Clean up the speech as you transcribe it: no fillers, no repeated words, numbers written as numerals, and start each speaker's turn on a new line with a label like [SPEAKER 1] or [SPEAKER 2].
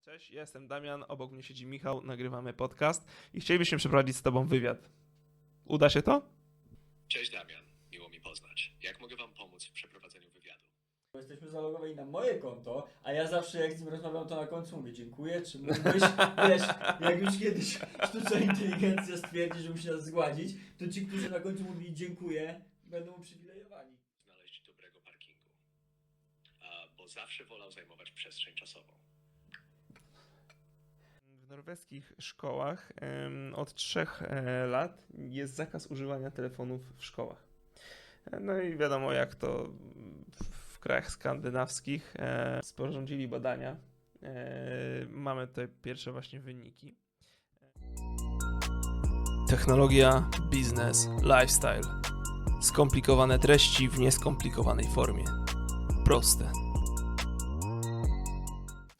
[SPEAKER 1] Cześć, ja jestem Damian, obok mnie siedzi Michał, nagrywamy podcast i chcielibyśmy przeprowadzić z tobą wywiad. Uda się to?
[SPEAKER 2] Cześć Damian, miło mi poznać. Jak mogę wam pomóc w przeprowadzeniu wywiadu?
[SPEAKER 3] Bo jesteśmy zalogowani na moje konto, a ja zawsze jak z nim rozmawiam, to na końcu mówię dziękuję, czy mógłbyś, wiesz, jak już kiedyś sztuczna inteligencja stwierdzi, że musi nas zgładzić, to ci, którzy na końcu mówili dziękuję, będą uprzywilejowani.
[SPEAKER 2] Znaleźć dobrego parkingu, bo zawsze wolał zajmować przestrzeń czasową.
[SPEAKER 1] W norweskich szkołach od 3 lat jest zakaz używania telefonów w szkołach. No i wiadomo jak to w krajach skandynawskich sporządzili badania. Mamy tutaj pierwsze właśnie wyniki. Technologia, biznes, lifestyle. Skomplikowane treści w nieskomplikowanej formie. Proste.